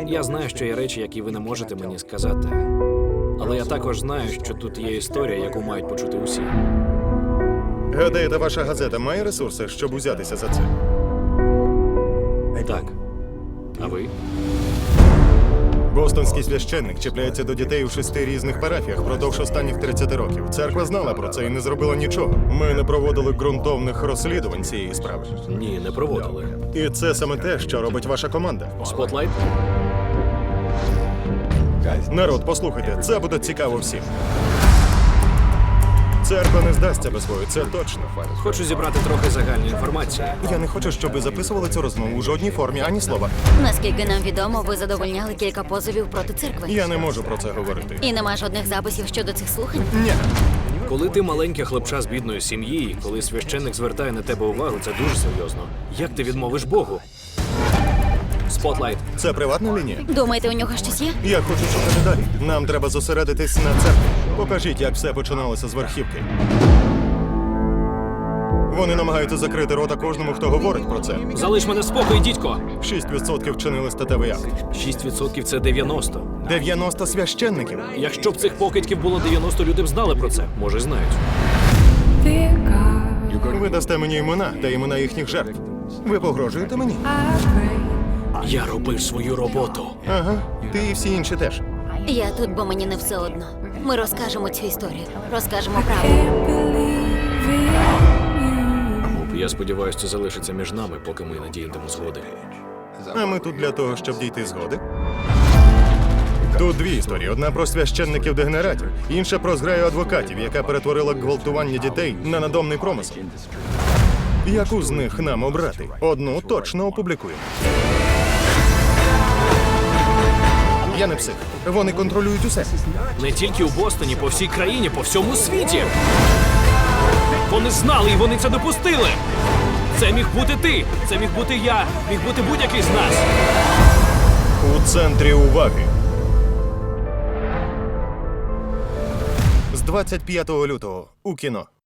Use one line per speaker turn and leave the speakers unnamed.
Я знаю, що є речі, які ви не можете мені сказати. Але я також знаю, що тут є історія, яку мають почути усі.
Гадаєте, ваша газета має ресурси, щоб узятися за це?
Так. А ви?
Бостонський священник чіпляється до дітей у 6 різних парафіях впродовж останніх 30 років. Церква знала про це і не зробила нічого. Ми не проводили ґрунтовних розслідувань цієї справи.
Ні, не проводили.
І це саме те, що робить ваша команда.
Спотлайт?
Народ, послухайте, це буде цікаво всім. Церква не здасться без бою, це точно.
Хочу зібрати трохи загальної інформації.
Я не хочу, щоб ви записували цю розмову у жодній формі, ані слова.
Наскільки нам відомо, ви задовольняли кілька позовів проти церкви.
Я не можу про це говорити.
І нема жодних записів щодо цих слухань.
Ні.
Коли ти маленьке хлопча з бідної сім'ї, коли священник звертає на тебе увагу, це дуже серйозно. Як ти відмовиш Богу? Спотлайт.
Це приватна лінія.
Думаєте, у нього щось є?
Я хочу шукати далі. Нам треба зосередитись на церкві. Покажіть, як все починалося з верхівки. Вони намагаються закрити рота кожному, хто говорить про це.
Залиш мене в спокої, дідько!
6% вчинили статевий акт.
6% – це 90.
90 священників.
Якщо б цих покидьків було 90, люди б знали про це. Може, й знають.
Ви дасте мені імена та імена їхніх жертв. Ви погрожуєте мені?
Я робив свою роботу.
Ага, ти і всі інші теж.
Я тут, бо мені не все одно. Ми розкажемо цю історію. Розкажемо правду.
Я сподіваюся, це залишиться між нами, поки ми не дійдемо згоди.
А ми тут для того, щоб дійти згоди. Тут дві історії. Одна про священників-дегенератів, інша про зграю адвокатів, яка перетворила гвалтування дітей на надомний промисел. Яку з них нам обрати? Одну точно опублікуємо. Я не псих. Вони контролюють усе.
Не тільки у Бостоні, по всій країні, по всьому світі. Вони знали і вони це допустили. Це міг бути ти, це міг бути я, міг бути будь-який з нас.
У центрі уваги. З 25 лютого у кіно.